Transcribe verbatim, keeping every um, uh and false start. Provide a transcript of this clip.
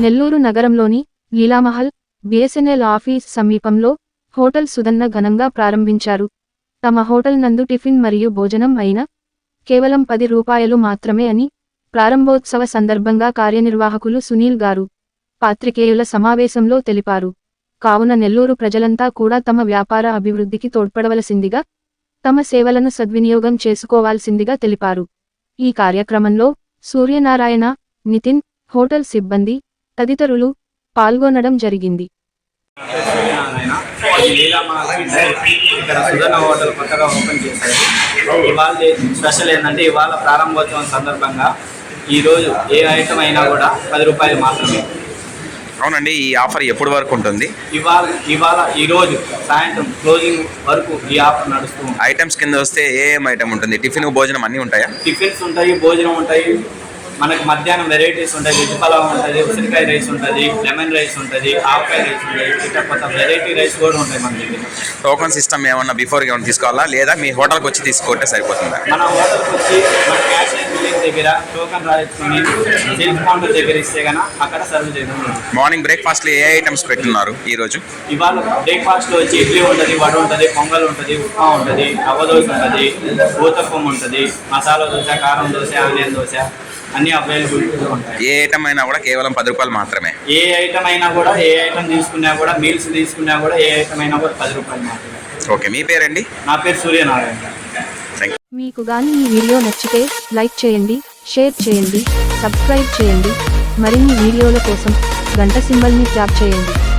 నెల్లూరు నగరంలోని Leelamahal BSNL office సమీపంలో hotel Sudhanna ఘనంగా ప్రారంభించారు. తమ హోటల్ నందు టిఫిన్ మరియు భోజనం అయిన కేవలం పది రూపాయలు మాత్రమే అని ప్రారంభోత్సవ సందర్భంగా కార్యనిర్వాహకులు సునీల్ గారు పాత్రికేయుల సమావేశంలో తెలిపారు. కావున నెల్లూరు ప్రజలంతా కూడా తమ వ్యాపార అభివృద్ధికి తోడ్పడవలసిందిగా, తమ సేవలను సద్వినియోగం చేసుకోవాల్సిందిగా తెలిపారు. ఈ కార్యక్రమంలో సూర్యనారాయణ, నితిన్, హోటల్ సిబ్బంది తదితరులు పాల్గొనడం జరిగింది. ఇక్కడ సుధన్న హోటల్ కొత్తగా ఓపెన్ చేశారు. ఇవాళ స్పెషల్ ఏంటంటే ఇవాళ ప్రారంభోత్సవం సందర్భంగా ఈరోజు ఏ ఐటమ్ అయినా కూడా పది రూపాయలు మాత్రమే. అవునండి, ఈ ఆఫర్ ఎప్పటి వరకు ఉంటుంది? ఇవాళ ఇవాళ ఈరోజు సాయంత్రం క్లోజింగ్ వరకు ఈ ఆఫర్ నడుస్తుంది. ఐటమ్స్ కింద వస్తే ఏ ఏం ఐటమ్ ఉంటుంది? టిఫిన్, భోజనం అన్నీ ఉంటాయా? టిఫిన్స్ ఉంటాయి, భోజనం ఉంటాయి, మనకు మధ్యాహ్నం వెరైటీస్ ఉంటాయి. వెజ్ పలావ్ ఉంటుంది, ఉసిరికాయ రైస్ ఉంటుంది, లెమన్ రైస్ ఉంటుంది, ఆవకాయ రైస్ ఉంటుంది, ఇట్లా కొత్త వెరైటీ రైస్ కూడా ఉంటాయి మన దగ్గర. టోకన్ సిస్టమ్ ఏమన్నా బిఫోర్ ఏమన్నా తీసుకోవాలా, లేదా మీ హోటల్కి వచ్చి తీసుకుంటే సరిపోతుందా? మన హోటల్కి వచ్చి మన క్యాష్ అండ్ బిల్లింగ్ దగ్గర టోకన్ రాయించుకొని సెల్ఫ్ కౌంటర్ దగ్గర ఇస్తే కన్నా అక్కడ సర్వ్ చేయడం. మార్నింగ్ బ్రేక్ఫాస్ట్లో ఏ ఐటమ్స్ పెట్టున్నారు ఈరోజు? ఇవాళ బ్రేక్ఫాస్ట్లో వచ్చి ఇడ్లీ ఉంటుంది, వడ ఉంటుంది, పొంగల్ ఉంటుంది, ఉప్మా ఉంటుంది, రవ్వ దోశ ఉంటుంది, ఊతప్పం ఉంటుంది, మసాలా దోశ, కారం దోశ, ఆనియన్ దోశ అన్ని అవైలబుల్గా ఉంటాయి. ఏ ఐటమ్ అయినా కూడా కేవలం పది రూపాయలు మాత్రమే. ఏ ఐటమ్ అయినా కూడా ఏ ఐటమ్ తీసుకున్నా కూడా మీల్స్ తీసుకున్నా కూడా ఏ ఐటమ్ అయినా కూడా పది రూపాయలు మాత్రమే. ఓకే, మీ పేరండి? నా పేరు సూర్యనారాయణ. మీకు గాని ఈ వీడియో నచ్చితే లైక్ చేయండి, షేర్ చేయండి, సబ్స్క్రైబ్ చేయండి. మరిన్ని వీడియోల కోసం గంట సింబల్ని ట్యాప్ చేయండి.